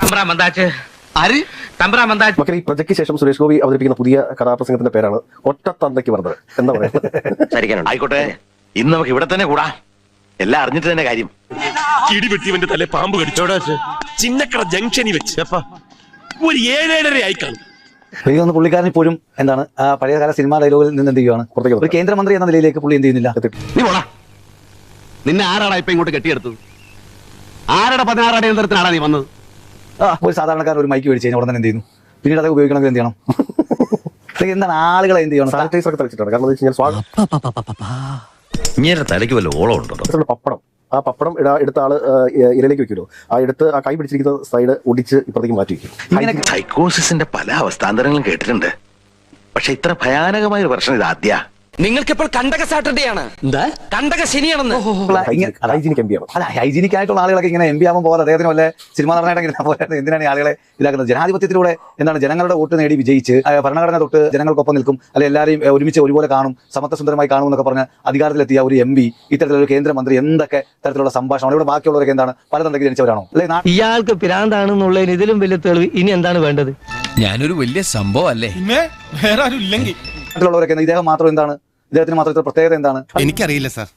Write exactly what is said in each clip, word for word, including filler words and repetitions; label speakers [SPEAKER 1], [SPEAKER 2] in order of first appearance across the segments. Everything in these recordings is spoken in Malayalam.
[SPEAKER 1] ഈ പ്രൊജക്ട് ശേഷം സുരേഷ് ഗോപി അവതരിപ്പിക്കുന്ന പുതിയ കഥാപ്രസംഗത്തിന്റെ പേരാണ് ഒറ്റത്തന്തയ്ക്ക് പറഞ്ഞത്. എന്താ പറയുക?
[SPEAKER 2] ആയിക്കോട്ടെ, ഇന്ന് നമുക്ക് ഇവിടെ തന്നെ കൂടാ. എല്ലാം അറിഞ്ഞിട്ട് തന്നെ കാര്യം.
[SPEAKER 3] ഇടിവെട്ടിവന്റെ തല പാമ്പ് കടിച്ചോടാ. ചിന്നക്കട ജംഗ്ഷനിൽ വെച്ച് ഒരു ഏഴേഴര ആയി കാണും.
[SPEAKER 4] എനിക്ക് തോന്നുന്നു പുള്ളിക്കാരൻ ഇപ്പോഴും എന്താണ് ആ പഴയകാല സിനിമാ ഡയലോഗിൽ നിന്ന് എന്ത് ചെയ്യുകയാണ്, ഒരു കേന്ദ്രമന്ത്രി എന്ന നിലയിലേക്ക് പുള്ളി എന്ത് ചെയ്യുന്നില്ല.
[SPEAKER 5] നീ പോടാ. നിന്നെ ആരാടാ ഇപ്പൊ ഇങ്ങോട്ട് കെട്ടിയെടുത്തത്? ആരുടെ പതിനാറ് അടിയന്തരത്തിനാടാ നീ വന്നത്?
[SPEAKER 4] ഒരു സാധാരണക്കാരൻ ഒരു മൈക്ക് മേടിച്ച് കഴിഞ്ഞാൽ ഉടനെ എന്ത് ചെയ്യുന്നു? പിന്നീട് അത് ഉപയോഗിക്കണമെങ്കിൽ എന്ത് ചെയ്യണം? എന്താണ് ആളുകളെ എന്ത് ചെയ്യണം?
[SPEAKER 1] സാനിറ്റൈസർ ഒക്കെ തളിച്ചിട്ടാണ്. കാരണം
[SPEAKER 2] ഇങ്ങനെ തലയ്ക്ക് വല്ല ഓളം ഉണ്ടോ?
[SPEAKER 1] പപ്പടം, ആ പപ്പടം എടുത്ത ആള് ഇരയിലേക്ക് വെക്കുമല്ലോ, ആ എടുത്ത് ആ കൈ പിടിച്ചിരിക്കുന്ന സൈഡ് ഒടിച്ച് ഇപ്പുറത്തേക്ക് മാറ്റി വെക്കും.
[SPEAKER 2] സൈക്കോസിന്റെ പല അവസ്ഥാന്തരങ്ങളും കേട്ടിട്ടുണ്ട്. പക്ഷെ ഇത്ര ഭയാനകമായ ഒരു പ്രശ്നം ഇത് ആദ്യ.
[SPEAKER 6] നിങ്ങൾക്കിപ്പോൾ കണ്ടക സാറ്റർഡേ ആണ്, എന്താ കണ്ടക ശനിയാണെന്ന്.
[SPEAKER 1] ഹൈജീനിക് എം പി ആണ്.
[SPEAKER 4] അല്ല, ഹൈജീനിക് ആയിട്ടുള്ള ആളുകളൊക്കെ ഇങ്ങനെ എം പി ആവാൻ പോകാതെ അദ്ദേഹത്തിന് വല്ല സിനിമ നടനായിട്ട് എന്തിനാണ് ഈ ആളുകളെ ഇതാക്കുന്നത്? ജനാധിപത്യത്തിലൂടെ എന്താണ് ജനങ്ങളുടെ വോട്ട് നേടി വിജയിച്ച് ഭരണഘടന തൊട്ട് ജനങ്ങൾക്കൊപ്പം നിൽക്കും, അല്ലെ എല്ലാവരെയും ഒരുമിച്ച് ഒരുപോലെ കാണും, സമത്വസുന്ദരമായി കാണും എന്നൊക്കെ പറഞ്ഞ് അധികാരത്തിലെത്തിയ ഒരു എം പി ഇത്തരത്തിലൊരു കേന്ദ്രമന്ത്രി എന്തൊക്കെ തരത്തിലുള്ള സംഭാഷണം? ഇവിടെ ബാക്കിയുള്ളവരൊക്കെ എന്താണ് പല തന്തയ്ക്ക് ജനിച്ചവരാണോ? അല്ലെ
[SPEAKER 7] ഇയാൾക്ക് പിരാന്താണെന്നുള്ളതിന് ഇതിലും വലിയ തെളിവ് ഇനി എന്താണ് വേണ്ടത്?
[SPEAKER 8] ഞാനൊരു വലിയ സംഭവം അല്ലേ?
[SPEAKER 3] വേറെ ആരും ഇല്ലെങ്കിൽ
[SPEAKER 4] മറ്റുള്ളവരൊക്കെ ഇദ്ദേഹം മാത്രം എന്താണ്, ഇദ്ദേഹത്തിന് മാത്രം ഇത്ര പ്രത്യേകത എന്താണ്?
[SPEAKER 3] എനിക്കറിയില്ല സാർ,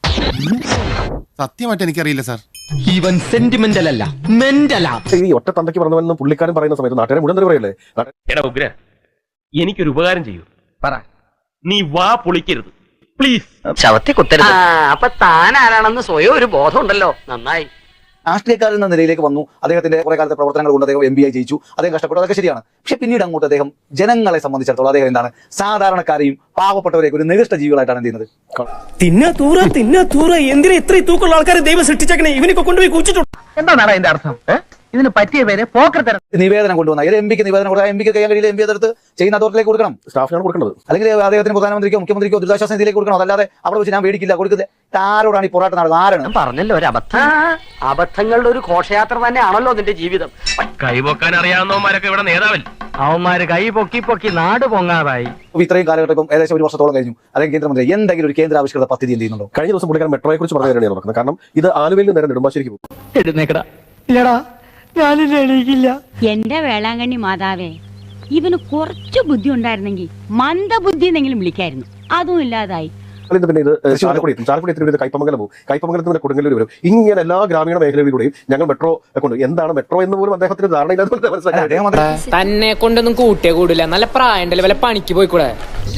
[SPEAKER 3] സത്യമായിട്ട് എനിക്കറിയില്ല സാർ.
[SPEAKER 6] ഇവൻ സെന്റിമെന്റൽ അല്ല, മെന്റലാ.
[SPEAKER 1] ഈ ഒറ്റ തന്തയ്ക്ക് പറഞ്ഞവെന്ന് പുള്ളിക്കാരൻ പറയുന്ന സമയത്ത് നാട്ടുകാരെ മുഴുവൻ പറയല്ലേ?
[SPEAKER 3] എടാ ഉഗ്ര, എനിക്കൊരു ഉപകാരം ചെയ്യൂ. പറ, നീ വാ പൊളിക്കരുത് പ്ലീസ്.
[SPEAKER 6] ചവത്തി കുത്തരുത്. അപ്പൊ താൻ ആരാണെന്ന് സ്വയം ഒരു ബോധം ഉണ്ടല്ലോ, നന്നായി.
[SPEAKER 4] രാഷ്ട്രീയക്കാരൻ എന്ന നിലയിലേക്ക് വന്നു, അദ്ദേഹത്തിന്റെ കുറെ കാലത്തെ പ്രവർത്തനങ്ങൾ കൊണ്ട് അദ്ദേഹം എം പി ആയി ജയിച്ചു, അദ്ദേഹം കഷ്ടപ്പെട്ടു, അതൊക്കെ ശരിയാണ്. പക്ഷെ പിന്നീട് അങ്ങോട്ട് അദ്ദേഹം ജനങ്ങളെ സംബന്ധിച്ചിടത്തോളം അദ്ദേഹം എന്താണ് സാധാരണക്കാരെയും പാവപ്പെട്ടവരെയൊക്കെ ഒരു നികൃഷ്ട ജീവികളായിട്ടാണ് എന്ത് ചെയ്യുന്നത്?
[SPEAKER 7] തിന്ന തൂറ തിന്ന തൂറ എന്തിനാ ഇത്രയും തൂക്കമുള്ള ആൾക്കാരെ ദൈവം സൃഷ്ടിച്ചേക്കണേ? ഇവനൊക്കെ കൊണ്ടുപോയി കുഴിച്ചിട്ടുണ്ട്.
[SPEAKER 6] എന്താണ് അതിന്റെ അർത്ഥം? ഇതിന് പറ്റിയ പേര് പോക്കർത്തരം.
[SPEAKER 4] നിവേദനം കൊണ്ടുവന്ന ഒരു എം പിക്ക് നിവേദനം കൊടുത്താൽ എം പിക്ക് കൈകാൻ കഴിയില്ല, എം പി അതെടുത്ത് ചെയ്യുന്ന അതോറിലേക്ക് കൊടുക്കണം,
[SPEAKER 1] സ്റ്റാഫിനാണ് കൊടുക്കുന്നത്.
[SPEAKER 4] അല്ലെങ്കിൽ അദ്ദേഹത്തിന് പ്രധാനമന്ത്രിക്കോ മുഖ്യമന്ത്രിക്കോ ദുരിതാശ്വാസ നിധിയിലേക്ക് കൊടുക്കണം. അതല്ലാതെ അവിടെ വെച്ച് ഞാൻ മേടിക്കില്ല കൊടുക്കുന്നത്. ആരോടാണ് ഈ പോരാട്ടം നടന്നത്? ആരാണ്
[SPEAKER 6] പറഞ്ഞല്ലോ ഒരു അബദ്ധം? അബദ്ധങ്ങളുടെ ഒരു ഘോഷയാത്ര തന്നെയാണല്ലോ നിന്റെ ജീവിതം.
[SPEAKER 3] കൈപോക്കാൻ അറിയാവുന്നവന്മാരൊക്കെ ഇവിടെ നേതാവല്ല.
[SPEAKER 7] അവന്മാര് കൈ പൊക്കി പൊക്കി നാട് പൊങ്ങാതായി.
[SPEAKER 4] ഇത്രയും കാലഘട്ടം ഇപ്പം ഏകദേശം ഒരു വർഷത്തോളം കഴിഞ്ഞു. അല്ലെങ്കിൽ കേന്ദ്രമന്ത്രി എന്തെങ്കിലും ഒരു കേന്ദ്ര ആവിഷ്കൃത പദ്ധതി എന്ത് ചെയ്യുന്നുണ്ടോ?
[SPEAKER 1] കഴിഞ്ഞ ദിവസം പുള്ളിക്കാരൻ മെട്രോയെ കുറിച്ച് പറഞ്ഞു തരാനാണ് നടക്കുന്നത്. കാരണം ഇത് ആലുവയിൽ നിന്ന് നേരെ നെടുമ്പാശ്ശേരിക്ക് പോകും.
[SPEAKER 7] എഴുന്നേക്കടാ. ഇല്ലടാ, ഞാനില്ല, എണീക്കില്ല.
[SPEAKER 9] എന്റെ വേളാങ്കണ്ണി മാതാവേ, ഇവന് കുറച്ചു ബുദ്ധി ഉണ്ടായിരുന്നെങ്കിൽ മന്ദബുദ്ധി എന്നെങ്കിലും വിളിക്കായിരുന്നു. അതും ഇല്ലാതായി.
[SPEAKER 1] പിന്നെ ഇത് ചാലക്കുടി എത്തും, ചാലക്കുടി എത്തി ഇത് കൈപ്പമംഗലം പോകും, കൈപ്പമംഗലത്ത് നിന്ന് കൊടുങ്ങല്ലൂർ വരും. ഇങ്ങനെ എല്ലാ ഗ്രാമീണ മേഖലകളിലൂടെയും ഞങ്ങൾ മെട്രോ കൊണ്ട് എന്താണ് മെട്രോ എന്ന് പോലും അദ്ദേഹത്തിന് ധാരണയില്ലാതെ മനസ്സിലാക്കി.
[SPEAKER 10] തന്നെ കൊണ്ടൊന്നും കൂട്ടിയേ കൂടില്ല, നല്ല പ്രായണ്ടല്ലേ, വല്ല പണിക്ക് പോയിക്കൂടെ?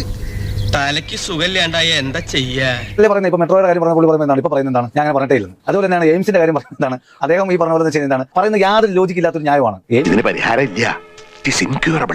[SPEAKER 6] തലയ്ക്ക് സുഖമില്ലാണ്ടായ എന്താ ചെയ്യാ?
[SPEAKER 4] പറയുന്നത് ഇപ്പൊ മെട്രോയുടെ കാര്യം പറഞ്ഞ പുള്ളി പറയുന്നതാണ്, ഇപ്പൊ പറയുന്നത് എന്താണ്, ഞാൻ അങ്ങനെ പറഞ്ഞിട്ടേ ഇല്ല. അതുപോലെ തന്നെയാണ് എയിംസിന്റെ കാര്യം പറയുന്നതാണ്. അദ്ദേഹം ഈ പറഞ്ഞ പോലെ ചെയ്യുന്നതാണ്, പറയുന്നത് യാതൊരു ലോജിക്ക് ഇല്ലാത്തൊരു ന്യായമാണ്.
[SPEAKER 2] ഇതിന് പരിഹാരം ഇല്ല. It is incurable.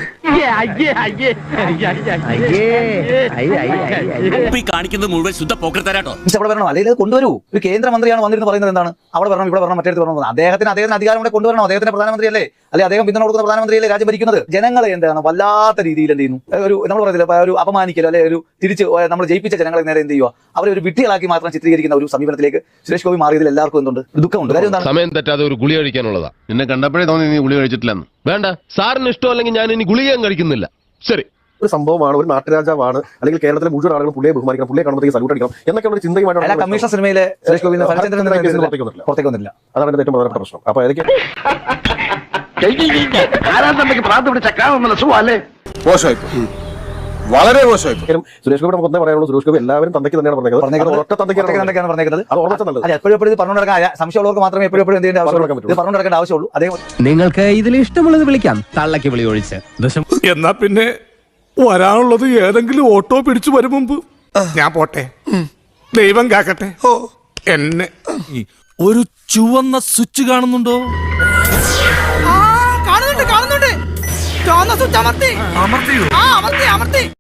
[SPEAKER 8] കാണിക്കുന്നത് മുഴുവൻ ശുദ്ധ പോക്കർത്തരാട്ടോ.
[SPEAKER 4] അവിടെ വരണം, അല്ലെങ്കിൽ കൊണ്ടുവരൂ. ഒരു കേന്ദ്രമന്ത്രിയാണ് വന്നിരുന്ന് പറയുന്നത് എന്താണ്, അവിടെ വരണം, ഇവിടെ വരണം, മറ്റേത് വരണം. അദ്ദേഹത്തിന് അദ്ദേഹത്തിന് അധികാരം കൂടെ കൊണ്ടുവരണം. അദ്ദേഹത്തിന്റെ പ്രധാനമന്ത്രിയല്ലേ, അല്ലെ അദ്ദേഹം പിന്തുണ കൊടുക്കുന്ന പ്രധാനമന്ത്രിയല്ലേ രാജ്യം ഭരിക്കുന്നത്? ജനങ്ങളെ എന്താണ് വല്ലാത്ത രീതിയിൽ എന്ത് ചെയ്യുന്നു, ഒരു നമ്മൾ പറയുന്നില്ല ഒരു അപമാനിക്കലോ അല്ലെ ഒരു തിരിച്ച് നമ്മൾ ജയിപ്പിച്ച ജനങ്ങളെ നേരെ എന്ത് ചെയ്യുക, അവരെ ഒരു വിട്ടികളാക്കി മാത്രം ചിത്രീകരിക്കുന്ന ഒരു സമീപനത്തിലേക്ക് സുരേഷ് ഗോപി മാറിയതിൽ എല്ലാവർക്കും എന്തുണ്ട്, ദുഃഖമുണ്ട്. കാര്യം എന്താണ്?
[SPEAKER 11] സമയം തെറ്റാതെ ഒരു ഗുളി കഴിക്കാനുള്ളതാ. നിന്നെ കണ്ടപ്പോഴേ തോന്നി നീ ഗുളി കഴിച്ചിട്ടില്ലെന്ന്. വേണ്ട, സാറിന് ഇഷ്ടമല്ലെങ്കിൽ ഞാൻ ഇനി ഗുളികയും കഴിക്കുന്നില്ല. ശരി,
[SPEAKER 1] ഒരു സംഭവമാണ്, ഒരു നാട്ടുരാജാവാണ്, അല്ലെങ്കിൽ കേരളത്തിലെ മുഴുവൻ ആളുകളും പുള്ളിയെ ബഹുമാനിക്കണം, പുള്ളിയെ കാണുമ്പോഴത്തേക്ക് സല്യൂട്ട് അടിക്കണം എന്നൊക്കെയുള്ള ചിന്തയുമായിട്ട്
[SPEAKER 4] കമ്മീഷൻ സിനിമയിലെ സുരേഷ് ഗോപി പുറത്തേക്ക് വന്നില്ല.
[SPEAKER 1] അതാണ് എന്റെ ഏറ്റവും പ്രധാനപ്പെട്ട പ്രശ്നം. അപ്പൊ അതൊക്കെ
[SPEAKER 3] വളരെ മോശമായി.
[SPEAKER 1] സുരേഷ് ഗോപി നമുക്ക് ഒന്നേ പറയാനുള്ളൂ, സുരേഷ് ഗോപി എല്ലാവരും തന്തയ്ക്ക് തന്നെയാണ് പറഞ്ഞത്. ഒറ്റ തന്തയ്ക്കാണ് പറഞ്ഞത്. അത് ഓർമ്മ നല്ലത്.
[SPEAKER 4] എപ്പോഴും എപ്പോഴും പറഞ്ഞു നടക്കാൻ സംശയമുള്ളവർക്ക് മാത്രമേ എപ്പോഴും എപ്പോഴും എന്ത് പറഞ്ഞു നടക്കേണ്ട ആവശ്യമുള്ളൂ. അതേ
[SPEAKER 8] നിങ്ങൾക്ക് ഇതിൽ ഇഷ്ടമുള്ളത് വിളിക്കാം, തള്ളക്ക് വിളി ഒഴിച്ച്.
[SPEAKER 3] എന്നാ പിന്നെ വരാനുള്ളത് ഏതെങ്കിലും ഓട്ടോ പിടിച്ചു വരും മുമ്പ് ഞാൻ പോട്ടെ. ദൈവം കാക്കട്ടെ എന്നെ.
[SPEAKER 8] ഒരു ചുവന്ന സ്വിച്ച് കാണുന്നുണ്ടോ?
[SPEAKER 10] കാണുന്നുണ്ട്, കാണുന്നുണ്ട്. ചുവന്ന സ്വിച്ച് അമർത്തി, അമർത്തി, അമർത്തി.